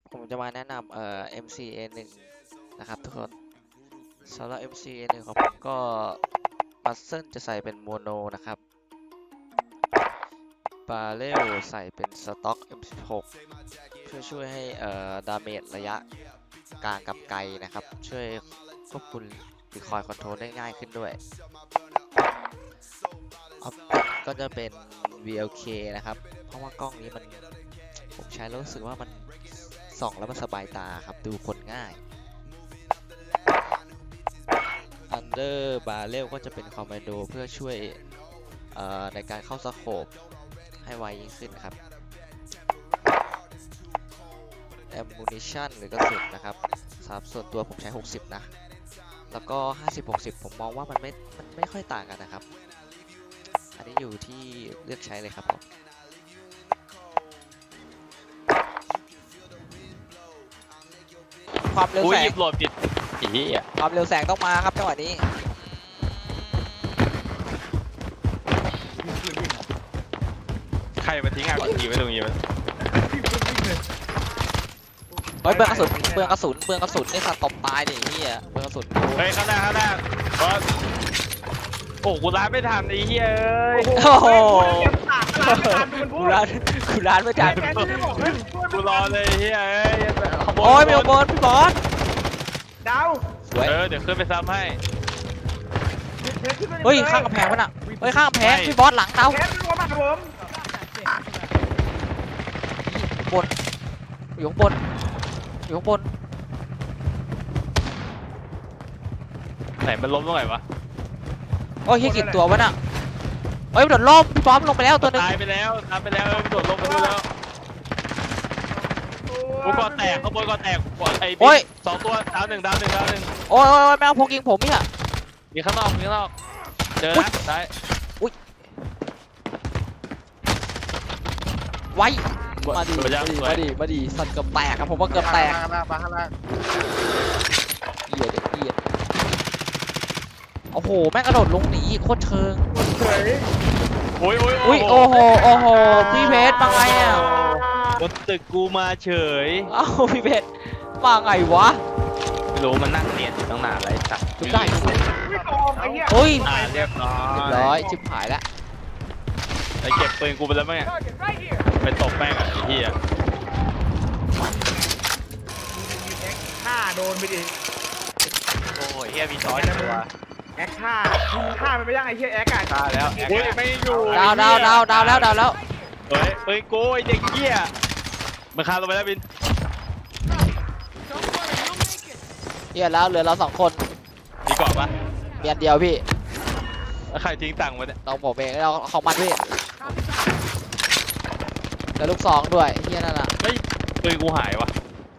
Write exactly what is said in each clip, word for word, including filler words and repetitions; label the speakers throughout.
Speaker 1: ผมจะมาแนะนำเอ่อ เอ็ม ซี เอ หนึ่ง นะครับทุกคนสำหรับ เอ็ม ซี เอ หนึ่ง ของผมก็มัสเซิลจะใส่เป็นโมโนนะครับบาเรลใส่เป็นสต็อก เอ็ม สิบหก เพื่อช่วยให้เอ่อดาเมจระยะกลางกับไกลนะครับช่วยควบคุมรีคอยล์คอนโทรลได้ง่ายขึ้นด้วยออปติกก็จะเป็น วี แอล เค นะครับเพราะว่ากล้องนี้มันผมใช้แล้วรู้สึกว่ามันส่องแล้วมันสบายตาครับดูคนง่าย Under Barrel ก็จะเป็นคอมมานโดเพื่อช่วยในการเข้าสโคปให้ไวยิ่งขึ้นครับ Ammunition หรือกระสุนนะครับสำหรับส่วนตัวผมใช้หกสิบนะแล้วก็ห้าสิบ หกสิบผมมองว่ามันไม่มันไม่ค่อยต่างกันนะครับอันนี้อยู่ที่เลือกใช้เลยครับผมความเร็ว
Speaker 2: อุ้
Speaker 1: แส
Speaker 2: ยหยิ
Speaker 1: ง
Speaker 2: บโหลดผิดอีอ่ะ
Speaker 1: ความเร็วแสงต้องมาครับจังหวะนี้
Speaker 2: ใครมาทิ้งอ่ะทีไว้ตรงนี้มัน
Speaker 1: เฮ้ยเบืองกระสุนเบืองกระสุนเบืองกระสุนนี่สัตว์ตบตายดิเฮียเบืองกระสุน
Speaker 2: เฮ้ยข้างหน้าข้างหน้าบอสโอ้กูร้านไม่ทันไอ้เหี้ยเอ้ย
Speaker 1: โอ้โห
Speaker 3: กู
Speaker 1: กูร้านกูร้านไม่ทัน
Speaker 2: กูรอเลยไอ้เหี้ยเอ้ยขบวน
Speaker 1: โอ้ยมีขบวนพี่บอส
Speaker 3: ดาว
Speaker 1: สวย
Speaker 2: เออเดี๋ยวขึ้นไปซ้ำให้
Speaker 1: เฮ้ยข้างกำแพงวะน่ะเฮ้ยข้างกำแพงพี่บอสหลังเรา
Speaker 3: แคสตัวมาผม
Speaker 1: บนอยู่ข้างบนอยู่ข้างบน
Speaker 2: ไหนมันล้มตรงไหนวะ
Speaker 1: โอ้ยเฮียกี่ตัววะน่ะเฮ้ยโดดล่มพี่บอสลงไปแล้วตัวนึง
Speaker 2: ตายไปแล้วตายไปแล้วโดดลงไปดูแล้วกูก่อแตกขบวนก่อแตกก่อไอ้บิ๊กสองตัวดาวหนึ่งดาวหนึ่งดาวหนึ่ง
Speaker 1: โอ้ยโอ้ยแมวพกยิงผมเนี่ย
Speaker 2: มีข้างนอกมีข้างนอกเจอนะได้
Speaker 1: ไว้มาดิ
Speaker 2: สวยจังสวย
Speaker 1: มาดิมาดิสัตว์เกือบแตกครับผมว่าเกือบแตก
Speaker 3: ข้างล่างมาข้างล่าง
Speaker 1: เหี้ยเด็กเหี้ยโอ้โหแม่งกระโดดลงหนีโคตรเชิง
Speaker 3: เฮ้ย
Speaker 2: โอ้ยโอ้ย
Speaker 1: อุ้ยโอ้โหโอ้โหพี่เพชรมาไงอ่ะ
Speaker 2: บนตึกกูมาเฉย
Speaker 1: เอ้าพี่เพชรมาไงวะ
Speaker 2: ไม่รู้มันนั่งเนียนอยู่ตั้งนานไรสัก
Speaker 1: จุดได้
Speaker 3: ไม่ตองไอ้เหี้ย
Speaker 1: เฮ้ย
Speaker 2: อ่าเรียบร้อย
Speaker 1: เรียบร้อยชิบหายแล้ว
Speaker 2: ไอ้เก็บปืนกูไปแล้วมั้งเนี่ยไปตบแป้งอ่ะไอ้เหี้ย
Speaker 3: ฆ่าโดนไปดิ
Speaker 2: โอ้ยเหี้ยมีช้อยตัว
Speaker 3: แอคฆ่าฆ่ามันไปยังไอ้เหี้ยแอคอ่ะ
Speaker 2: ฆ่าแล้วอุ้ยไม่อยู่
Speaker 1: ดาวดาวดาวดาวแล้วดาวแล้ว
Speaker 2: เฮ้ยปืนกูไอ้เด็กเหี้ยมันฆ่าลงไปแล้วบิน
Speaker 1: เฮียแล้วเหลือเราสองคน
Speaker 2: มีกรอบปะ
Speaker 1: เมียนเดียวพี่
Speaker 2: แล้วใครทิ้งตังค์ไว้เนี่ย
Speaker 1: เราผมเองเราของมันพี่แล้วลูกสองด้วยเฮียนั่นน่ะ
Speaker 2: เฮ้ยปืนกูหายวะ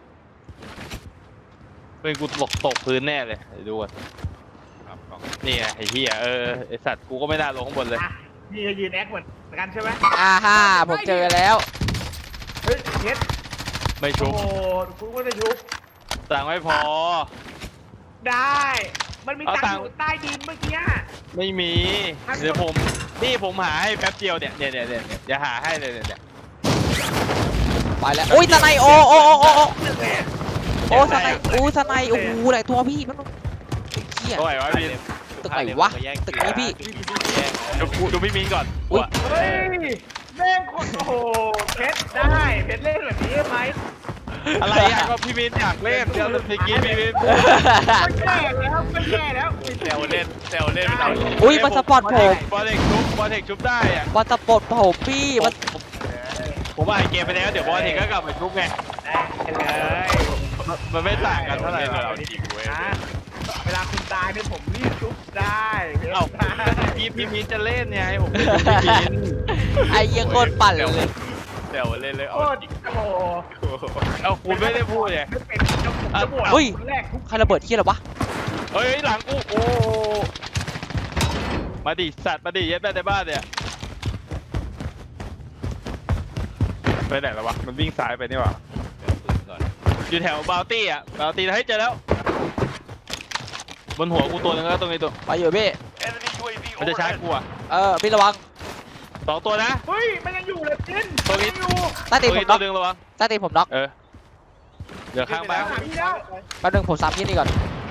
Speaker 2: ปืนกูตกตกพื้นแน่เลยเดี๋ยวดูก่อนนี่ไงไอ้เหี้ยเออไอ้สัตว์กูก็ไม่น่าลงข้างบนเลย
Speaker 3: อ่ะนี่จะยืนแอคเหมือนกันใช่ไหม
Speaker 1: อ่าฮ่าผมเจอแล้ว
Speaker 3: เฮ้ยเพชร
Speaker 2: ไม่
Speaker 3: โอ้
Speaker 2: ชุบ
Speaker 3: โหกูก็จะชุบ
Speaker 2: ตังค์ไม่พอ
Speaker 3: ได้ มันมี
Speaker 2: เอา
Speaker 3: ตัง
Speaker 2: ตังค์
Speaker 3: ค์อยู่ใต้ดินเมื่อกี้
Speaker 2: ไม่มีเดี๋ยวผมนี่ผมหาให้แป๊บเดียวเนี่ยเนี่ยเนี่ยเนี่ยเดี๋ยวหาให้เลยเนี่ย
Speaker 1: ไปแล้วอุ้ยสไนโอโอโอโอโอ
Speaker 3: แหม
Speaker 1: โอ้สไนอู้สไนโอ้โหหลายตัวพี่มันเฮีย
Speaker 2: โอ้ยวะพี่
Speaker 1: ตึกไหนวะตึกนี้พี่
Speaker 2: ดูดูพี่มินก่อน
Speaker 1: อุ๊ย
Speaker 3: เฮ้ยแม่งโคตรโอ้โหเพชรได้เพชรเล่นแบบนี้ไหม
Speaker 2: อะไรอ่ะก็พี่มินอยากเล่นเดี๋ยวเมื่อกี้พี่มิน
Speaker 3: มันแย่แล้วมันแย่แล้ว
Speaker 2: เซลเล่นเซลเล่นไม่เอา
Speaker 1: อุ้ยมาสปอร์ตผม
Speaker 2: บอลเทคชุบบอลเทคชุบได้อ่ะ
Speaker 1: มาสปอร์ตผมพี่มัน
Speaker 2: ผมอ่านเกมไปแล้วเดี๋ยวบอลเทคก็กลับมาชุบไง
Speaker 3: ได้เลย
Speaker 2: มันไม่ต่างกันเท่าไหร่หรอก
Speaker 3: นะเวลาคุณตายเนี่ยผมรีบชุบได้
Speaker 2: เอ้าพี่พี่มินจะเล่นไงผมไม่ชุบพี่มิน
Speaker 1: ไอ้เหี้ยโคตรปั่นเลย
Speaker 2: เดี๋ยวเล่นเลย
Speaker 3: โค
Speaker 2: เอา
Speaker 3: ตรโอ้โห
Speaker 2: เอาคุณไม่ได้พูดไง
Speaker 3: ไม่เป็นเจ้าผมจะบวชคนแรกทุก
Speaker 1: ใครระเบิดที่อะไรวะ
Speaker 2: เฮ้ยหลังกูโอ้มาดิสัตว์มาดิเย็ดแม่ในบ้านเนี่ยไปไหนแล้ววะมันวิ่งซ้ายไปนี่หว่าอยู่แถวบาวตี้อ่ะบาวตี้ให้เจอแล้วบนหัวกูตัวนึงแล้วตรงนี้ตัว
Speaker 1: ไปอยู่พี่
Speaker 2: มันจะชาร์จกูอ่ะ
Speaker 1: เออพี่ระวัง
Speaker 2: สองตัวนะ
Speaker 3: เฮ้ยมันยังอยู่เลยจิน
Speaker 2: ตัวนี้
Speaker 3: อยู่
Speaker 1: ใต้
Speaker 2: ตั
Speaker 1: ตี
Speaker 2: วน
Speaker 1: ผ
Speaker 2: นี้
Speaker 1: ม
Speaker 2: ตั
Speaker 1: น็
Speaker 2: ว
Speaker 1: อก
Speaker 2: นึงระวัง
Speaker 1: ใต้ตีนผมน็อก
Speaker 2: เออเหลือข้างบ้าน
Speaker 3: หาพี่แล้ว
Speaker 1: แป๊บนึงผมซ้ำยี่นี่ก่อน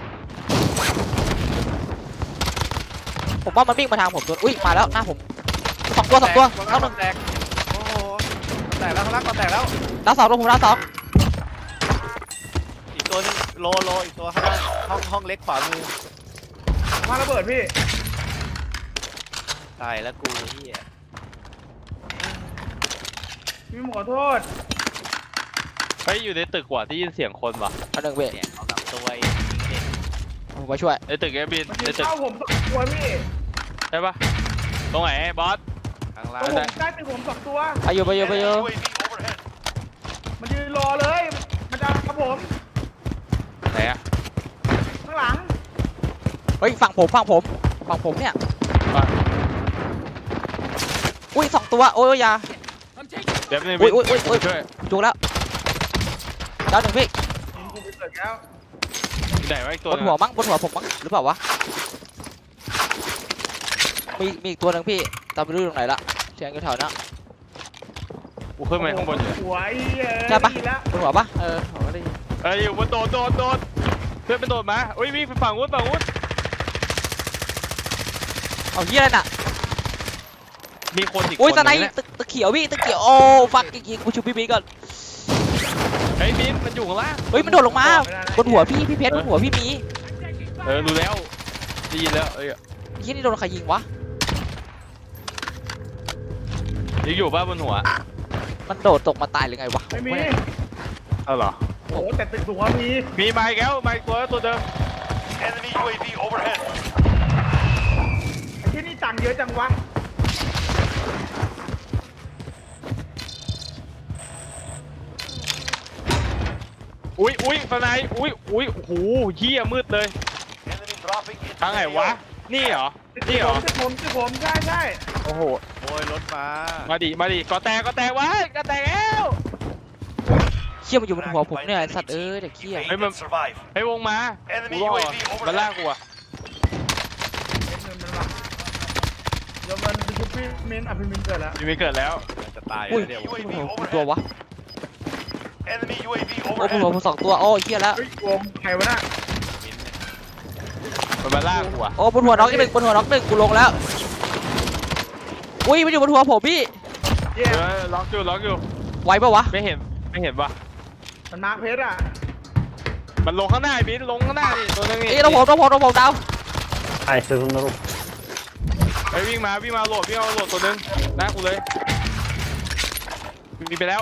Speaker 1: ผมว่ามันวิ่งมาทางผมตัวอุ้ยมาแล้วหน้าผมสองตัวสองตัว
Speaker 4: แล้
Speaker 1: แล้ว วห
Speaker 4: มั
Speaker 1: นึ่
Speaker 4: น
Speaker 1: ง
Speaker 4: แตกโอ้โหแตกแล้วข้างล่างก็แตกแล้ว
Speaker 1: ดาวสองตัวผมดาวสอง
Speaker 4: อีกตัวนึงโลโลอีกตัวข้างล่างห้องห้องเล็กขวามือ
Speaker 3: มาระเบิดพี่
Speaker 4: ตายแล้วกูเฮีย
Speaker 3: พี่ขอโทษ
Speaker 2: เฮ้ยอยู่ในตึกกว่าที่ยินเสียงคนวะ
Speaker 1: แป๊บนึงเว้ย
Speaker 4: เนี่ยเอาลำตัวไอ้เด็ก
Speaker 1: ผมไปช่วย
Speaker 2: ในตึกเอบิน
Speaker 3: มัน
Speaker 2: ใน
Speaker 3: ยืน
Speaker 2: ตึก
Speaker 3: เข้าผมสองตัวพี่
Speaker 2: ใช่ปะตรงไหนบอส
Speaker 4: ข้างล่า
Speaker 3: ตรง
Speaker 4: ง
Speaker 3: ผมใกล้เป็นผมสองตัว
Speaker 1: ไปอยู่ไปอยู่ไปอยู่
Speaker 3: มันยืนรอเลย มันจะกับผม
Speaker 2: ไหนอะ
Speaker 3: ข้างหลัง
Speaker 1: เฮ้ยฝั่งผมฝั่งผมฝั่งผมเนี่ย
Speaker 2: อ่ะ
Speaker 1: อุ้ยสองตัวโอ้ยอยา
Speaker 2: เดี๋ยวใน
Speaker 1: อุ๊
Speaker 2: บิ
Speaker 1: ย
Speaker 2: น
Speaker 1: อุ๊ยอุ๊ยอุ๊ย
Speaker 2: ช่วย
Speaker 1: จุกแล้วดาวหนึ่งพี่
Speaker 3: ยิงกูไปเกิดแล้ว
Speaker 2: ไหนวะอีกตัว
Speaker 1: บ
Speaker 2: ห
Speaker 1: น
Speaker 2: นึง
Speaker 1: หัว
Speaker 2: อะ
Speaker 1: มั้งบนหัวผมมั้งหรือเปล่าวะมีมีอีกตัวหนึ่งพี่ตามไปดูตรงไหนละเชียงอยู่แถวนั้น
Speaker 2: กูขึ้นมาข้างบนอยู่
Speaker 3: หัวไอ้เอ้ย
Speaker 1: ใช่ปะ
Speaker 3: ดีแล้ว
Speaker 1: บนหัวปะเออผมก็ได้ยิน
Speaker 2: เอ้ยอยู่บนโดดโดดโดดเพื่อนเป็นโดดมาอุ้ยวิ่งไปฝั่งนู้นฝั่งนู้น
Speaker 1: เอาเหี้ยอะไรน่ะ
Speaker 2: มีคนอีกค
Speaker 1: อุ้ย
Speaker 2: น
Speaker 1: ตะไน
Speaker 2: นึงเนี่ย
Speaker 1: ตึกตึกเขียวพี่ตึกเขียวโอ้ฟักจริงๆกูชูพี่บีก่อน
Speaker 2: เฮ้ยบินมันอยู่ข้างล่าง
Speaker 1: เฮ้ยมันโดดลงมาบนหัวพี่พี่เพชรบนหัวพี่มี
Speaker 2: เออรู้แล้วได้ยินแล้วเอ้ย
Speaker 1: ยี่นี่โดนใครยิงวะ
Speaker 2: ยังอยู่ป่ะบนหัว
Speaker 1: มันโดดตกมาตายหรือไงวะ
Speaker 3: ไม่มี
Speaker 2: เอาเหรอ
Speaker 3: โอ้โหแต่ตึกสูงอะมี
Speaker 2: มีไม้แก้วไม้ตัวตัวเดิม
Speaker 5: Enemy ยู เอ วี overhead.
Speaker 3: ไอ้ที่นี่ตังค์เยอะจังวะ
Speaker 2: อุ้ยอุ้ยตอนไหนอุ้ยอุ้ยโอ้โหเหี้ยมืดเลย
Speaker 5: Enemy dropping into
Speaker 2: ทางไหน
Speaker 5: the
Speaker 2: วะ
Speaker 5: A O.
Speaker 2: นี่เหรอ
Speaker 3: ตึก
Speaker 2: นี่เหรอ
Speaker 3: ผมตึกผมตึกผมใช่ใช่
Speaker 2: โอ้โห
Speaker 4: โอ้ยรถมา
Speaker 2: มาดิ มาดิ ก็แตกก็แตกวะก็แตกแล้ว
Speaker 1: เชี่ยมันอยู่บนหัวผมเนี่ยไอ้สัตว์เอ้ยเด็กเขี้ย
Speaker 5: Evade and survive.
Speaker 2: ให้วงมา
Speaker 5: Enemy
Speaker 2: กูรอ
Speaker 5: ยู เอ
Speaker 2: ด
Speaker 5: วี
Speaker 2: มันล่าก
Speaker 5: overhead.
Speaker 2: กูอะ
Speaker 3: เดี๋ยวมันไปชุบพี่มินอ่ะพี่มินเกิดแล้ว
Speaker 2: ยังไม่เกิดแล้ว
Speaker 4: จะตาย
Speaker 1: อุ้ย
Speaker 4: แล้วเดี๋ยว
Speaker 1: บนหัวผมตัววะ
Speaker 5: Enemy ยู เอ วี
Speaker 1: โอ้บนหัว
Speaker 5: overhead.
Speaker 1: ผมสองตัวโอ้เขี้ยแล้ว
Speaker 3: เฮ้ยโกงใครวะน่ะ
Speaker 4: มินเนี่ย
Speaker 2: มันมาล่ากกูอะ
Speaker 1: โอ้บนหัวน็อกอีกหนึ่งบนหัวน็อกหนึ่งกูลงแล้วอุ้ยมันอยู่บนหัวผมพี่
Speaker 3: เย่
Speaker 2: เออล็อกอยู่ล็อกอยู่
Speaker 1: ไหวปะวะ
Speaker 2: ไม่เห็น ไม่เห็นวะ
Speaker 3: มันมาร์คเพชรอ่ะ
Speaker 2: มันลงข้างหน้าไอ้บินลงข้างหน้านี่ตัวนึงนี่
Speaker 1: เอ้ยเราผมเราผมเราผมดาว
Speaker 2: ไอ้ยวิ่งมาวิ่งมาโหลดวิ่งมาโหลดตัวนึงหน้ากูเลยมีไปแล้ว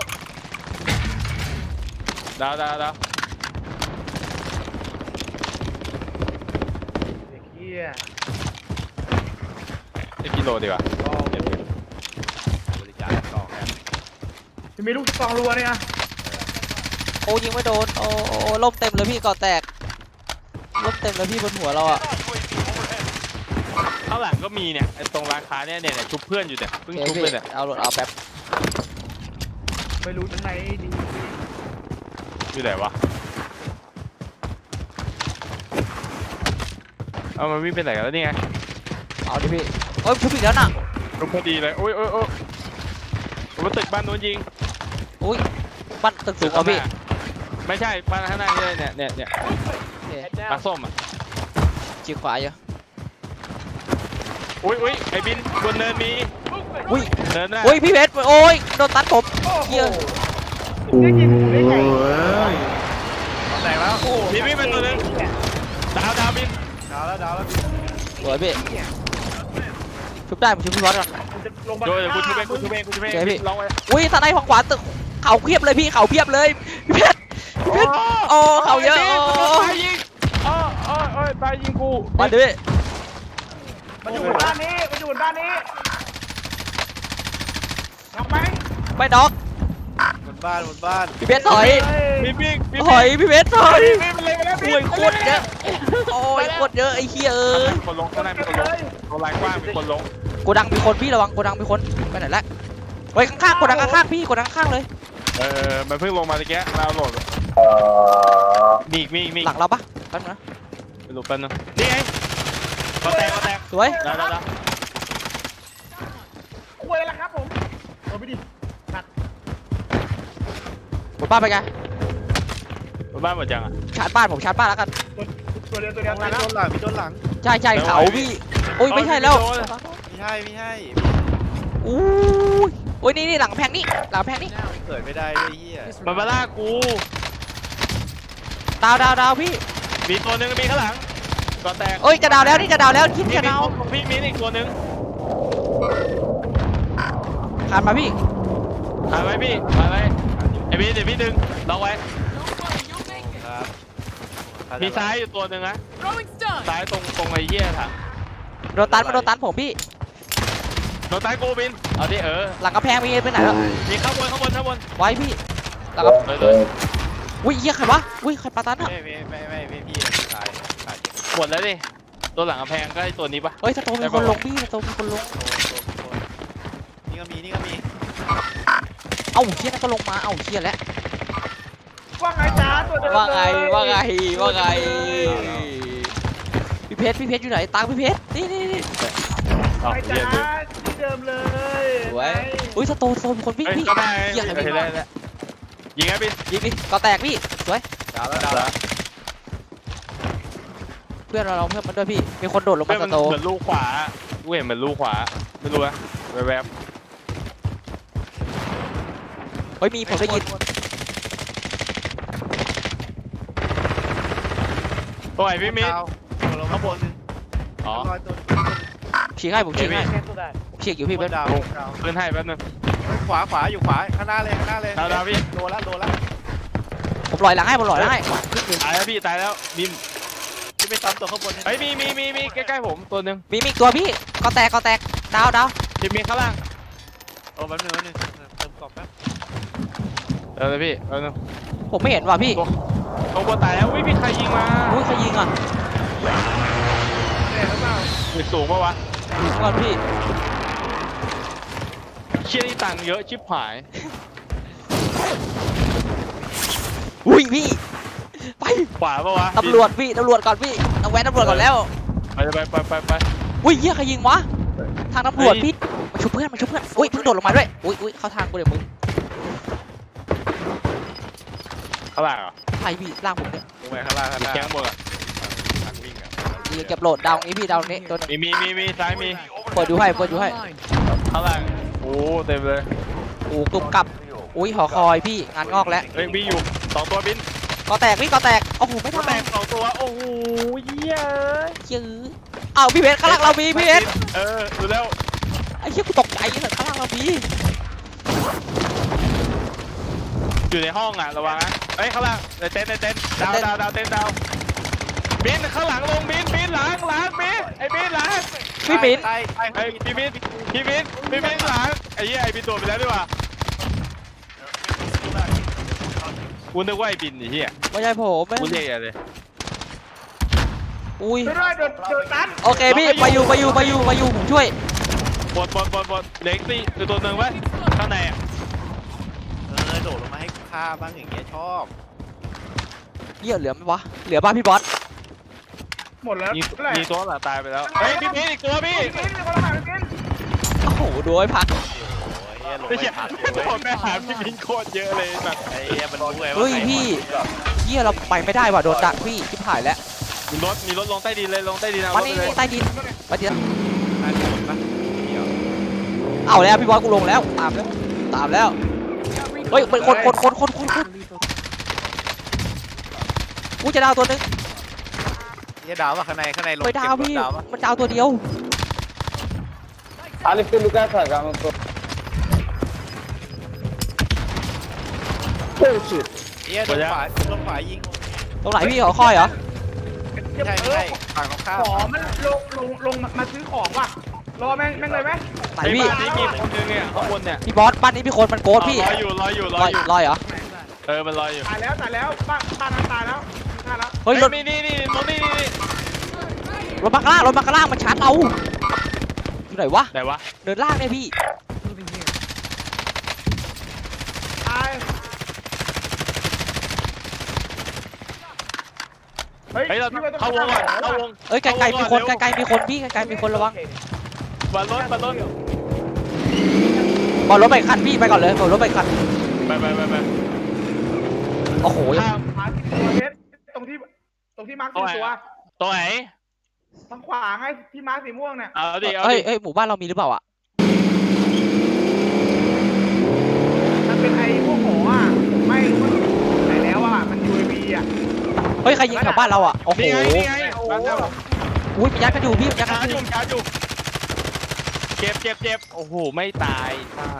Speaker 2: ดาวดาวดาว
Speaker 3: เด็กเหี้ย
Speaker 2: ไอ้กิโลดีกว่า
Speaker 3: อ๋อบ
Speaker 4: ริจาคกล่องแฮม
Speaker 3: พี่มีลูกซองรัวเนี่ย
Speaker 1: โอ้ยิงไม่โดนโอ้โอ้ล่มเต็มเลยพี่ก่อแตกล่มเต็มเลยพี่บนหัวเราอะ
Speaker 5: ยู เอ วี overhead.
Speaker 2: ข้างหลังก็มีเนี่ยไอ้ตรงร้านค้าเนี่ยเนี่ยเนี่ยชุบเพื่อนอยู่เนี่ยเพิ่ง
Speaker 1: โอเค
Speaker 2: ชุบ
Speaker 1: พี่
Speaker 2: เลยเนี่ย
Speaker 1: เอารถเอาแป๊บ
Speaker 3: ไม่รู้จังไหนดี
Speaker 2: อยู่ไหนวะเอามันวิ่งไปไหนกันแล้วนี่ไง
Speaker 1: เอาดิพี่โอ้ยชุบอีกแล้วน่ะ
Speaker 2: ชุบพอดีเลยโอ้ยโอ้ยโอ้ยมันตึกบ้านนู้นยิง
Speaker 1: อุ้ยบ้านตึกสูงอ่ะพี่
Speaker 2: ข้างหน้าไม่ใช่บ้านข้างหน้านี่เนี่ยเนี่ยเนี่ย
Speaker 1: โอเค
Speaker 2: ปลาส้มอ่ะ
Speaker 1: จีขวาอยู่
Speaker 2: อุ้ยอุ้ยไอ้บินบนเนินมี
Speaker 1: อุ้ย
Speaker 2: เนินหน้า
Speaker 1: อุ้ยพี่เพชรโอ้ยโดนตัดผม
Speaker 3: โอ้โห
Speaker 1: เหี้ย
Speaker 3: ได้ยินกูได้ไง
Speaker 4: แตกแล้ว
Speaker 2: พี่พี่เป็นตัวนึงดาวดาวบิน
Speaker 4: ดาวแล้วดาวแล้ว
Speaker 1: สวยพี่ชุบได้ผมชุบพี่บอสก่อน
Speaker 3: กูจะลงมา
Speaker 2: โดยเดี๋ยวกูชุบเองกูชุบเองกูชุบเอง
Speaker 1: โอเคพี่
Speaker 2: ลองไว้
Speaker 1: อุ้ยทนายฝั่งขวาตึกเขาเพียบเลยพี่เขาเพียบเลยพี่เพชรพี่เพชรโอ้เขาเยอะ
Speaker 2: ไบิน
Speaker 1: โอ้
Speaker 2: มันโดนตายยิงโอ้โอ้โอ้ยตายยิงกู
Speaker 1: มาดิพี่
Speaker 3: มันอยู่บนบ้านนี้มันอยู่บนบ้านนี้ทำไหม
Speaker 1: ไม่น็อก
Speaker 4: บนบ้านบนบ้าน
Speaker 1: พี่เพชรถอย
Speaker 2: พี่พี่พี่
Speaker 1: ถอยพี่เพชรถอย
Speaker 2: พี่มันเลยไปแล้ว
Speaker 1: โอ้ยโคตรเยอะโอ้ยโคตรเยอะไอ้เหี้ยเอ้ย
Speaker 2: มีคนลงข้างหน้ามีคนลงโรงแรมกว้างมีคนลง
Speaker 1: โกดังมีคนพี่ระวังโกดังมีคนไปไหนละเฮ้ยข้างๆโกดังข้างๆพี่โกดังข้างๆเลย
Speaker 2: เออมันเพิ่งลงมาตะเกียเราโหลดมีอีกมีอีกมีอีก
Speaker 1: หลังเราปะแป๊บนึงนะ
Speaker 2: ไปหลบแป๊บนึงนี่ไงก็แตกก็แตก
Speaker 1: สวย
Speaker 2: ได้ได้ได้
Speaker 3: คุยแล้วครับผมเอาไปดิตัด
Speaker 1: บนบ้านไปไง
Speaker 3: บ
Speaker 2: บ้านหมดยังอ่ะ
Speaker 1: ชาร์จบ้านผมชาร์จบ้านแล้วกัน
Speaker 3: ตัวเดียวตัวเดียว
Speaker 4: โด
Speaker 3: ตายแล้ว
Speaker 4: นหลังพี่โดนหลัง
Speaker 1: ใช่ใช่เขาพี่โอ้ยไม่ใช่แล้ว
Speaker 4: ไม่ใช่ไม่ใช่
Speaker 1: อู้ยโอ้ยนี่นี่หลังกำแพงนี่หลังกำแพงนี่
Speaker 4: เกิดไม่ได้ด้วยเฮีย
Speaker 2: มันมาล่ากู
Speaker 1: ดาวดาวดาวพี่
Speaker 2: มีตัวหนึงมีข้างหลังก่อนแตก
Speaker 1: เอ้ยจะดาวแล้วนี่จะดาวแล้วคิด
Speaker 2: พี่
Speaker 1: จะ
Speaker 2: มี
Speaker 1: ดาว
Speaker 2: พี่มีอีกตัวหนึง
Speaker 1: ขาดมาพี่
Speaker 2: ถ่ายไว้พี่ถ่ายไว้ไอ้พี่เดี๋ยวพี่ดึงล็อกไว้
Speaker 4: ครับ
Speaker 2: มีซ้ายอยู่ตัวหนึ่งนะ
Speaker 6: Throwing stun.
Speaker 2: ซ้ายตรงตรงไอ้เหี้ยถัง
Speaker 1: โดนตันมาโดนตันผมพี่
Speaker 2: โดนซ้ายกูบินเอาดิเออ
Speaker 1: หลังกำแพงมีไปไหนแล้ว
Speaker 2: มีข้างบนข้างบนข้างบน
Speaker 1: ไว้พี่หลังกำ
Speaker 2: เลยเลย
Speaker 1: อุ้ยเหี้ยใครวะอุ้ยใครปาตันอะ
Speaker 4: ไม่ไม่ไม่ไม่ไม่พี่ตายตาย
Speaker 2: หมดแล้วดิตัวหลังกำแพงก็ไอ้ตัวนี้ปะ
Speaker 1: เฮ้ยสโตมีคนลงพี่สโตมีคนลง
Speaker 4: นี่ก็มีนี่ก็มี
Speaker 1: เอ้าเชี่ยนั่นก็ลงมาเอ้าเชี่ยแล้ว
Speaker 3: ว่าไงจ้าตัวเดียว
Speaker 1: ว่าไง
Speaker 3: เลย
Speaker 1: ว่าไงว่าไงพี่เพชรพี่เพชรอยู่ไหนตังพี่เพชรนี่นี่นี่
Speaker 2: อ๋อ
Speaker 3: ไง
Speaker 2: เหี้ย
Speaker 3: จ้า
Speaker 2: เลย
Speaker 3: ที่เดิมเลย
Speaker 1: สวยอุ้ยสโตสโตมีคนวิ่ง
Speaker 2: เฮ้ย
Speaker 1: พี่
Speaker 2: ก็ได้
Speaker 1: เหี้ยอะไร
Speaker 2: เห็น
Speaker 1: พี่
Speaker 2: แล้วเห็นแล้วยิงไงบิน
Speaker 1: ยิงดิก็แตกพี่สวย
Speaker 4: ดาวแล้วดาวแล้ว
Speaker 1: เพื่อนเราเราเพื่อนมันด้วยพี่มีคนโดดลง
Speaker 2: เฮ้
Speaker 1: มาย ส
Speaker 2: มัน
Speaker 1: โต
Speaker 2: เหมือนลูกขวากูเห็นเหมือนลูกขวาไม่รู้นะแวบ
Speaker 1: เฮ้ยมีผมได้ยิน
Speaker 2: ๆตัวไหนพี่มิน
Speaker 4: ดาวลงข้างบนนึง
Speaker 2: อ๋อ
Speaker 4: ลอยตัว
Speaker 1: ฉีกให้ผมฉีกให้
Speaker 3: แค่ตัวได้
Speaker 1: ผมฉีกอยู่พี่
Speaker 4: บ
Speaker 1: เพื่อน
Speaker 4: นดาวดาว
Speaker 2: ขึ้นให้แป๊บนึง
Speaker 4: ขวาขวาอยู่ขวาข้างหน้าเลยข้างหน้าเลย
Speaker 2: ดาวดาวพี่
Speaker 4: โดนละโดนละ
Speaker 1: ผมลอยหลังให้ผมลอยหลังให้
Speaker 2: ตายแล้วพี่ตายแล้วบิน
Speaker 4: ที่ไปซ้ำตัวข้างบน
Speaker 2: เฮ้ยมีมีมีมีใกล้ๆผมตัวหนึ่ง
Speaker 1: มีมีอีกตัวพี่ก็แตกก็แตกดาวดาว
Speaker 2: พี่มีข้างล่าง
Speaker 4: โอ้แป๊บนึงแป๊บนึงเติมกรอบแป๊บ
Speaker 2: เออเลยพี่แป๊บนึง
Speaker 1: ผมไม่เห็นว่ะพี่
Speaker 2: ตัวบนตายแล้วอุ้ยมีใครยิงมา
Speaker 1: อุ้ยใครยิงอ่ะ
Speaker 3: เนี่ยหรือเปล่า
Speaker 2: มีสูงปะวะ
Speaker 1: ยิงก่อนพี่
Speaker 2: เชี่ยนี่ตังค์เยอะชิบหาย
Speaker 1: อุ้ยพี่ไป
Speaker 2: ขวาปะวะ
Speaker 1: ตำรวจพี่ตำรวจก่อนพี่ต้องแวะตำรวจก่อนแล้ว
Speaker 2: ไปไปไปไปไป
Speaker 1: อุ้ยเหี้ยใครยิงวะทางตำรวจ
Speaker 2: เฮ้ย
Speaker 1: พี่มาชุบเพื่อนมาชุบเพื่อนอุ้ยเพิ่งโดดลงมาด้วยอุ้ยอุ้ยเข้าทางกูเดี๋ยวมึง
Speaker 2: ข้างล่างเหรอ
Speaker 1: ใครพี่ล่างผมเนี่ย
Speaker 4: ลงไปข้างล่างข้าง
Speaker 2: มี
Speaker 4: ล่าง
Speaker 2: แข้งบนอ่ะ
Speaker 4: ทางวิ่งอ่ะ
Speaker 1: ดีเก็บโหลดดาวนี้พี่ดาวนี้ตัวนี้
Speaker 2: มีมีมีมีซ้ายมี
Speaker 1: เปิดดูให้เปิดดูให้
Speaker 6: Online.
Speaker 2: ข้างล่างโอ้เต็มเลย
Speaker 1: โอ้กลุ่มกลับอุ้ยหอคอยพี่งานงอกแล้ว
Speaker 2: เฮ้ยมีอยู่สองตัวบิน
Speaker 1: ก็แตกพี่ก็แตกโอ้โหไม่
Speaker 2: ตัว
Speaker 1: ทำ
Speaker 2: แตกสองตัวโอ้โหเยี่ย
Speaker 1: ยื้อเอ้าพี่เพชรข้างล่างเรามีพี่เพชร
Speaker 2: เออดูแล้ว
Speaker 1: ไอ้เหี้ยกูตกใจเลยข้างล่างเรามี
Speaker 2: อยู่ในห้องอ่ะระวังนะเฮ้ยข้างล่างในเต็นท์ในเต็นท์ดาวดาวดาวเต็นท์ดาวบินข้างหลังลงบินบินหลังหลังบินไอ้บินหลัง
Speaker 1: พี่บิน
Speaker 4: ใต้ใต้
Speaker 2: ไอ้พี่บินพี่บินพี่บินหลังไอ้เหี้ยไอ้บินตัวไปแล้วดีกว่ากูนึกว่าไอ้บินไอ้เหี้ย
Speaker 1: ไม่ใช่ผมไม่
Speaker 2: กูเรียกอะไรเลย
Speaker 1: อุ้ย
Speaker 3: ไม่ได้โดนโดนตัน
Speaker 1: โอเคพี่ไปอยู่ไปอยู่ไปอยู่ไปอยู่ผมช่วย
Speaker 2: บดบดบดบดเล็กซี่คือตัวหนึ่งไว้ข้างในอ่ะ
Speaker 4: เออโดดลงมาให้ฆ่าบ้างอย่างเงี้ยชอบ
Speaker 1: เหี้ยเหลือไหมวะเหลือป่ะพี่บอส
Speaker 3: หมดแล้ว
Speaker 2: มี
Speaker 3: เท่าไหร่
Speaker 2: มีตัวหลังตายไปแล้วเฮ้ยพี่บินอีกตัวพี่
Speaker 3: กินมีคนละหมากิน
Speaker 1: โอ้โหดูไอ้พัก
Speaker 4: โอ้ยลง
Speaker 2: ไม่
Speaker 4: ไป
Speaker 2: ใช่
Speaker 4: ผัด
Speaker 2: โดนแม่หาพี่บินโคตรเยอะเลยแบบ
Speaker 4: ไอ้เหี้ยมันรู้ไงว่า
Speaker 1: เฮ้ย
Speaker 4: ใคร
Speaker 1: พี่เหี้ยเราไปไม่ได้ว่ะโดนดักพี่ชิบหายแล้ว
Speaker 2: มีรถมีรถลงใต้ดินเลยลงใต้ดินเอา
Speaker 1: วัน
Speaker 2: รถ
Speaker 1: นี้
Speaker 2: ไปเลย
Speaker 1: ใต้ดินไปดิน
Speaker 4: น่าจะปะเดี๋ยว
Speaker 1: เอาแล้วพี่บอสกูลงแล้วตามแล้วตามแล้วเฮ้ยเป็นคนคนคนคนคนคนกูจะดาวตัวนึง
Speaker 4: เหี้ยดาวว่าข้างในข้างในลง
Speaker 1: ไปดาว
Speaker 4: เก็บรถ
Speaker 1: พี่
Speaker 4: ดาวปะ
Speaker 1: มันดาวตัวเดียว
Speaker 7: Alif tu lugar agak untuk. Oh shit.
Speaker 4: เหี้ยโดนขวาโดนขวายิง
Speaker 1: ตรงไหนพี่ขอคอยเหรอ
Speaker 4: ไม่ใช่ไม่ใช่ฝั่งตรงข้าม
Speaker 3: ขอมันลงลงลงมาซื้อของว่ะรอแม่งแม่งเลยไหม
Speaker 1: ไหน
Speaker 2: ไอ้
Speaker 1: พี่
Speaker 2: บ้านนี้มีคนนึงเนี่ยข้างบนเนี่ย
Speaker 1: พี่บอสบ้านนี้พี่คนมันโกดพี่
Speaker 2: ลอยอยู่ลอยอยู่ล
Speaker 1: ล
Speaker 2: อ
Speaker 1: อย ย
Speaker 2: อยู่
Speaker 1: ลอยเหรอ
Speaker 2: เออมันลอยอยู่
Speaker 3: ตายแล้วตายแล้วบ้านบ้านนั้นตายแล้วตายแล้ว
Speaker 1: เฮ้ยรถ
Speaker 2: มีนี่นี่ตรงนี้นี่นี่
Speaker 1: รถมาข้างล่างรถมาข้างล่างมันชาร์จเราอยู่ไหนวะ
Speaker 2: ไหนวะ
Speaker 1: เดินล่างเนี่ยพี่
Speaker 6: Moving here.
Speaker 3: ตายเฮ้ย
Speaker 2: เฮ้ยเราเข้าวงก่อนเข้าวง
Speaker 1: เอ้ยไกลๆมีคนไกลๆมีคนพี่ไกลๆมีคนระวัง
Speaker 2: บอลรถบอลรถ
Speaker 1: บอลรถไปคันพี่ไปก่อนเลยบอลรถไปคัน
Speaker 2: ไปไปไปไป
Speaker 1: โอ้โห
Speaker 2: ข้าม
Speaker 3: มาที่เพชรตรงที่ตรงที่มาร์คสี่ตัว
Speaker 2: ตัวไหน
Speaker 3: ทางขวาไงที่มาร์คสีม่วงเนี่ย
Speaker 2: เอาดิเอา
Speaker 1: เอ้ย
Speaker 2: ดิ
Speaker 1: เอ้ยหมู่บ้านเรามีหรือเปล่าอ่ะ
Speaker 3: มันเป็นไอ้พวกหมออ่ะผมไม่รู้ว่าไหนแล้วอ่ะมัน ยู เอ วี อ่ะ
Speaker 1: เฮ้ยใครยิงแถวบ้านเราอ่ะโอ้โห
Speaker 2: นี่ไงนี่ไง
Speaker 3: โอ้โห
Speaker 2: บ้านเรา
Speaker 1: อุ้ยมันยัดกันอยู่พี่มันยัด
Speaker 2: ชา
Speaker 1: กัน
Speaker 2: ร์จ
Speaker 1: อ
Speaker 2: อยู่ ยู่ชาร์จอยู่เจ็บเจ็บเจ็บโอ้โหไม่ตายอ่า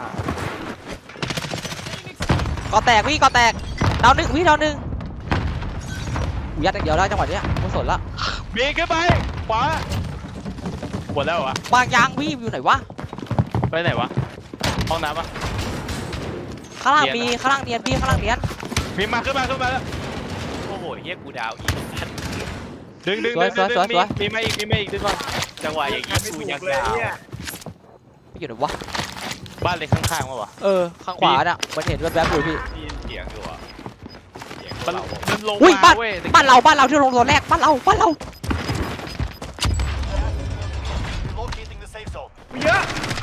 Speaker 1: ก่อแตกพี่ก่อแตกดาวหนึ่งพี่ดาวหนึ่งกูยัดอย่างเดียวแล้วจังหวะเนี้ยกูสนละ
Speaker 2: บีขึ้นไปขวาหมดแล้วเหรอวะ
Speaker 1: วางยางพี่อยู่ไหนวะ
Speaker 2: ไปไหนวะห้องน้ำปะ
Speaker 1: ข้างล่าง
Speaker 2: เนียน
Speaker 1: มี
Speaker 2: อะ
Speaker 1: ข้างล่างเนียนพี่ข้างล่างเนียน
Speaker 2: มีมาขึ้นมาขึ้นมาแล้ว
Speaker 4: โอ้โหเฮียกูดาวอีกสัตว์
Speaker 2: ดึงดึง
Speaker 1: สวย
Speaker 2: ดึง
Speaker 1: สวย
Speaker 2: ดึง
Speaker 1: สวย
Speaker 2: มีมีมาอีกมีมาอีกดึงก่อน
Speaker 4: จังหวะอย่าง
Speaker 3: งา
Speaker 4: นี้
Speaker 3: นไม่
Speaker 4: กู
Speaker 3: ถู
Speaker 4: ยัง
Speaker 3: กเลย
Speaker 4: ดาว
Speaker 3: เนี่ย
Speaker 1: พี่อยู่ไหนวะ
Speaker 2: บ้านเล็กข้างๆวะวะ
Speaker 1: เออข้างขวาน่ะมันเห็นแวบๆอยู่พี่
Speaker 4: ได้ยินเสียงอยู่อ่ะเสียง
Speaker 2: มัน
Speaker 4: เรา
Speaker 2: มันลง
Speaker 1: อุ้ย
Speaker 2: มา
Speaker 1: บ้าน
Speaker 2: เว้ย
Speaker 1: บ้านเราบ้านเราที่ลงตัวแรกบ้านเราบ้านเรา
Speaker 5: Relocating the safe zone.
Speaker 3: มีเยอะ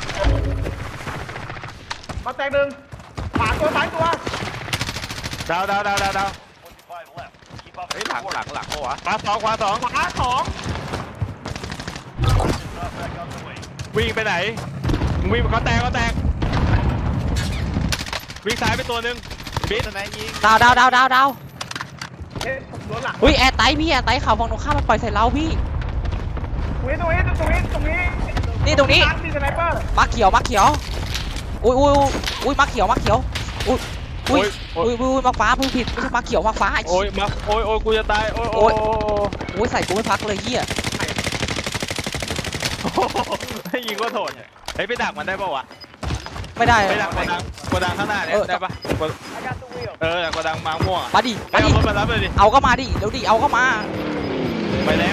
Speaker 3: มาแตกหนึ่งขวาตัวซ้ายตัว
Speaker 2: ดาวดาวดาวดาวดาว
Speaker 5: twenty-five left. Keep up
Speaker 4: เฮ้ย
Speaker 5: the
Speaker 4: หลัง
Speaker 5: work.
Speaker 4: หลังหลังปะวะ
Speaker 2: ขวาสองขวาสอง
Speaker 3: ขวาสอง
Speaker 5: Drop back on the way.
Speaker 2: วิ่งไปไหนมึงวิ่งเขาแตกเขาแตกวิ่งซ้ายไปตัวหนึ่งบิน
Speaker 4: สไนด์ยิง
Speaker 1: ดาวดาวดาวดาวดาว
Speaker 3: เอ๊ะผมโดนหลัง
Speaker 1: อุ้ยแอร์ไตพี่แอร์ไตข่าวฝั่งตรงข้ามมันปล่อยใส่เราพี่
Speaker 3: ตรงนี้ตรงนี้ตรงนี้ตรงนี้
Speaker 1: นี่ตรงนี้
Speaker 3: ร้านมีสไนเปอร์
Speaker 1: มาเขียวมาเขียวอุ้ยอุ้ยอุ้ยอุ้ยมาเขียวมาเขียวอุ้ยอุ้ย
Speaker 2: โอ้ย
Speaker 1: อุ้ยอุ้ยมาฟ้าพูดผิดไม่ใช่มาเขียวมาฟ้าไอ้
Speaker 2: โอ้ยมาโอ้ยโอ้ยกูจะตายโอ้ยโอ้ย
Speaker 1: อุ้ยใส่กูไม่พักเลยเฮีย
Speaker 2: โอ้โหให้ยิงก็โถดเฮ้ยไปดักมันได้ปะวะ
Speaker 1: ไม่ได้
Speaker 2: ไปดักกดดังกดดังข้างหน้าเนี่ย
Speaker 1: เออ
Speaker 2: ได้ปะกดเออดักกดดังมาม่วงอะ
Speaker 1: มาดิ
Speaker 2: ไป
Speaker 1: มาดิ
Speaker 2: เอารถมารับเลยดิ
Speaker 1: เอาก็มาดิเดี๋ยวดิเอาก็มา
Speaker 2: ไปแล้ว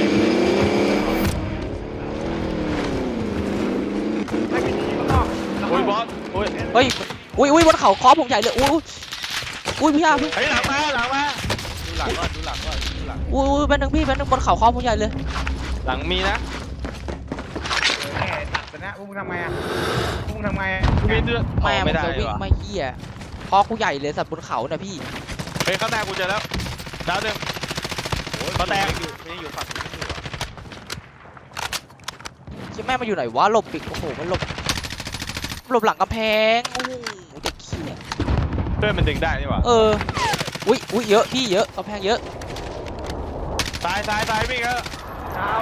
Speaker 3: ไม่มีทีข้างนอก
Speaker 2: โอ้ยบอสโอ้ย
Speaker 1: เฮ้ยอุ้ยอุ้ยบนเขาคอผมใหญ่เลยอุ้ยอุ้ยอุ้ยพี่อาพี่
Speaker 2: เฮ้ยหลังมาหลังมา
Speaker 4: ดูหลังก่อนดูหลังก่อนดูหลัง
Speaker 1: อุ้ยอุ้ยเป็นหนึ่งพี่เป็นหนึ่งบนเขาคอผมใหญ่เลย
Speaker 2: หลังมีนะ
Speaker 3: แหม่ตัดไปนะพวกมึงทำไงอ่ะพวกมึงทำไงอะ
Speaker 2: มีด้วย
Speaker 1: แม่
Speaker 2: อ๋อ
Speaker 1: มั
Speaker 2: ไม่
Speaker 1: น
Speaker 2: ได้
Speaker 1: จะวิ่ง
Speaker 2: ว่ะ
Speaker 1: ไม่เฮียคอกูใหญ่เลยสัตว์บนเขาน่ะพี่
Speaker 2: เฮ้ยข้างหน้ากูเจอแล้วดาวหนึ่ง
Speaker 4: โอ้ย
Speaker 2: เขาแตก
Speaker 4: อยู่ไม่อยู่ฝั่งนี้อยู่อะ
Speaker 1: ใช่แม่มาอยู่ไหนวะหลบปิดโอ้โหมันหลบหลบหลังกำแพงโอ้โหเด็กขี้ย
Speaker 2: เพื่อนมันดึงได้นี่หว่า
Speaker 1: เอออุ้ยอุ้ยเยอะพี่เยอะกำแพงเยอะ
Speaker 2: ตายตายตายวิ่งแล้ว
Speaker 3: ดาว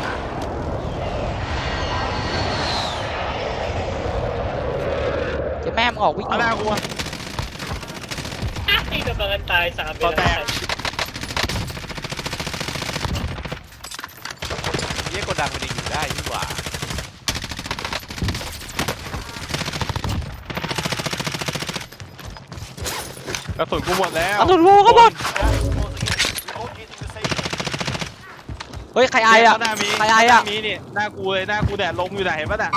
Speaker 1: เจะแม่มึงออกวิ่ง
Speaker 2: ข้างหน้ากูอะ
Speaker 6: ไอ้กำลังตายสาม
Speaker 2: ต่อแตก
Speaker 4: เฮียกดดังมันยังอยู่ได้ดีกว่า
Speaker 2: กระสุนกูหมดแล้ว
Speaker 1: เอาตุนวูก็หมด
Speaker 5: Relocating the safe zone.
Speaker 1: เฮ้ยใครไออะ
Speaker 2: ข้างหน้ามี
Speaker 1: ใครไออะ
Speaker 2: ข้างหน้ามีนี่หน้ากูเลยหน้ากูแดดลมอยู่ไหนเห็นปะน่ะ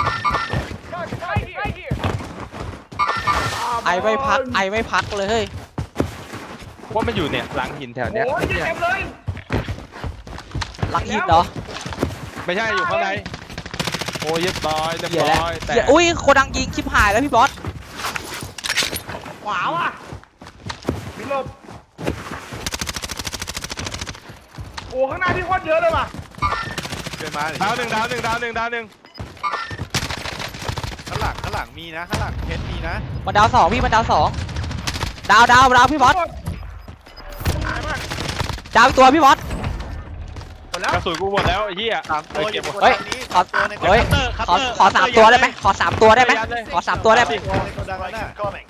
Speaker 1: ไอไม่พักไอไม่พักเลยเฮ้ย
Speaker 2: ว่ามันอยู่เนี่ยหลังหินแถวเนี้ย
Speaker 3: โอ้ยเต็มเลย
Speaker 1: หลังหินเหรอ
Speaker 2: ไม่ใช่อยู่ข้างในโอ้ยเรียบร้อยเรียบ
Speaker 1: เหี้ยแล้ว
Speaker 2: ร้อยแต่
Speaker 1: เหี้ยอุ้ยโคดังยิงชิบหายแล้วพี่บอส
Speaker 3: ขวาว่ะมีหลบโอ้ข้างหน้าพี่โคตรเยอะเลยว่ะ
Speaker 4: เกินมาเลย
Speaker 2: ดาวหนึ่งดาวหนึ่งดาวหนึ่งดาวหนึ่ง
Speaker 4: ข้างหลังข้างหลังมีนะข้างหลังเพชรมีนะ
Speaker 1: มันดาวสองพี่มันดาวสองดาวดาวดาวพี่บอส
Speaker 3: หายมาก
Speaker 1: ดาวอีกตัวพี่บอส
Speaker 3: หมดแล้ว
Speaker 2: กระสุนกูหมดแล้วไอ้เหี้ย
Speaker 4: สามตัวอ
Speaker 2: เก็
Speaker 4: ยู่
Speaker 2: บบ หมด
Speaker 4: น
Speaker 1: เฮ้ย
Speaker 4: ทางนี้
Speaker 1: ขอ
Speaker 4: สามตัวในกด
Speaker 1: เฮ้ย
Speaker 4: ดัง
Speaker 2: คัต
Speaker 1: ขอ
Speaker 2: เตอร์
Speaker 1: ขอสามตัวได้ไหมขอสามตัวได้ไหมขอสามตัวได้ไหม
Speaker 4: ตัวในกดดังแล้ว
Speaker 5: Strike
Speaker 4: น่ะ
Speaker 5: incoming.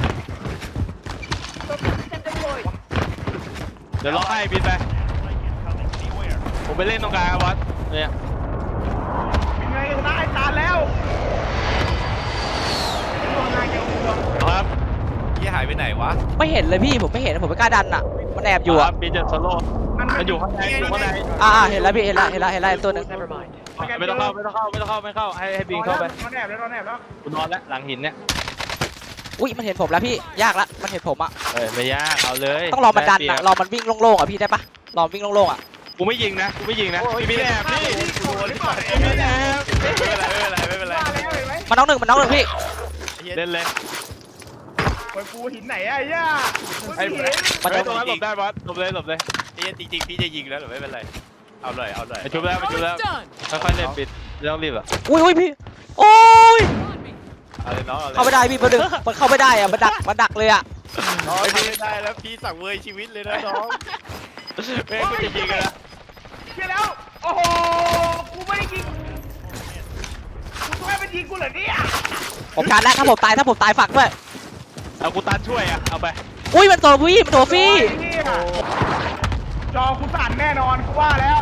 Speaker 2: เดี๋ยวล็อกให้บินไป
Speaker 5: Strike incoming. Beware.
Speaker 2: ผมไปเล่นตรงกลางครับบอสเนี่ย
Speaker 3: เป็นไงชนะไอ้ตาแล้วดวงนายเดียวดวง
Speaker 2: ครับ
Speaker 4: เฮียหายไปไหนวะ
Speaker 1: ไม่เห็นเลยพี่ผมไม่เห็นผมไม่กล้าดันอ่ะมันแอบอยู่
Speaker 2: ค
Speaker 1: อ่ะ
Speaker 2: รับบินจะโซโล่มันอยู่ข้างในอยู่ข้างใน
Speaker 1: อ่าอ่าเห็นแล้วพี่เห็นแล้วเห็นแล้วเห็นแล้วตัวหนึง
Speaker 2: ไม่ต้องเข้าไม่ต้องเข้าไม่ต้องเข้าไม่เข้าให้ให้บินเข้าไป
Speaker 3: นอนแอบแล้วนอนแอบแล้ว
Speaker 2: กูนอนแล้วหลังหินเนี่ย
Speaker 1: อุ้ยมันเห็นผมแล้วพี่ยากละมันเห็นผมอ่ะ
Speaker 2: เอ้ยไม่ยากเอาเลย
Speaker 1: ต้องรอมันดัน
Speaker 2: ได้
Speaker 1: อ่ะ
Speaker 2: เปรียบ
Speaker 1: รอมันวิ่งโล่งๆอ่ะพี่ได้ปะรอมันวิ่งโล่งๆอ่ะ
Speaker 2: กูไม่ยิงนะกูไม่ยิงนะพี่ไม่แอบพี่
Speaker 3: โอ้ยนี่ก่อน
Speaker 2: พี่ไม่แอบ
Speaker 4: ไม่เป็นไรไม่เป็นไรไม่เป็นไร
Speaker 3: ว่าแล้วเห็นไหม
Speaker 1: มันน้องหนึ่งมันน้องหนึ่งพี่
Speaker 4: เฮีย
Speaker 2: เล่นเลย
Speaker 3: ไปปูหินไหนอะไอ้ย่า
Speaker 2: ไอ้
Speaker 3: ไม่เห็น
Speaker 1: มัน
Speaker 2: ไอ้
Speaker 1: จะ
Speaker 2: ตรงนั้นหลบได้บอสหลบเลยหลบเลย
Speaker 4: ไอ้เหี้ยจริงๆพี่จะยิงแล้วแต่ไม่เป็นไรเอาเลยเอาเลย
Speaker 2: ไปชุบแล้วไปชุบแล้วค่อยๆเล่นปิดไม่ต้องรีบอ่ะ
Speaker 1: อุ้ยอุ้ยพี่ โอ้ย
Speaker 4: เอาเลยน้องเอาเลย
Speaker 1: เข้าไม่ได้พี่ประเด็นมันเข้าไม่ได้อะมันดักมันดักเลยอะ
Speaker 4: น้องทำไม่ได้แล้วพี่สั่งเวยชีวิตเลยนะน้อง
Speaker 2: แม่งกูจะยิงกันนะ
Speaker 3: เชี่ยแล้ว โอ้โห กูไม่ได้ยิงกูไม่เป็นยิงกูเหรอเนี่ย
Speaker 1: ผมชาร์จแล้วถ้าผมตายถ้าผมตายฝักด้วย
Speaker 2: เอากูตันช่วยอ่ะเอาไป
Speaker 1: อุ้ยมันตัวพี่มันตัวฟรี
Speaker 3: โอ้ยเนี่ยจอกูสั่นแน่นอนกูว่าแล้ว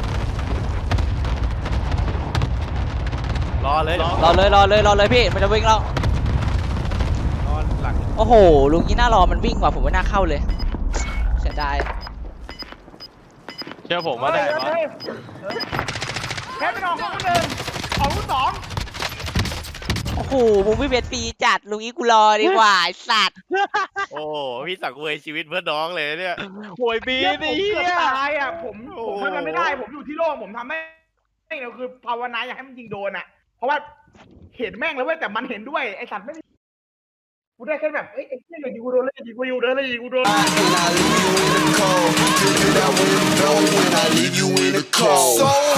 Speaker 4: รอเลย
Speaker 2: รอ
Speaker 1: รอเลยรอเลยรอเลยพี่มันจะวิ่งแล้ว
Speaker 4: นอนหลัง
Speaker 1: โอ้โหลุงนี้น่ารอมันวิ่งว่ะผมว่าน่าเข้าเลยเสียดาย
Speaker 2: เชื่อผมว่าได้บอส
Speaker 3: เฮ้ยเฮ้ยแค่เป็นออกของคนหนึ่งออกรุ่นสอง
Speaker 1: โอ้โหมึงไม่เป็นฟรีจัดลุงนี้กูรอดีกว่าไอ้สัตว์
Speaker 4: โอ้พี่สั่งเวยชีวิตเพื่อน้องเลยเนี่ย
Speaker 2: โวยบี
Speaker 3: เนี่ยผ
Speaker 2: นี่
Speaker 3: ม
Speaker 2: เฮี
Speaker 3: เกือบ
Speaker 2: ย
Speaker 3: ตายอ่ะผมผมทำอะไรไม่ได้
Speaker 4: โอ้โห
Speaker 3: ผมอยู่ที่โล่งผมทำไม่ไม่เดียวคือภาวนาอยากให้มันยิงโดนอ่ะ เพราะว่าเห็นแม่งแล้วเว้ยแต่มันเห็นด้วยไอ้สัตว์ไม่ได้กูได้แค่แบบเอ้ยไอ้เหี้ยอย่ายิงกูโดนเลยอย่ายิงกูอยู่เด้อเลยอย่ายิงกูโดน
Speaker 7: When I leave you in the cold, figure out where I'm going when I leave you in the cold. So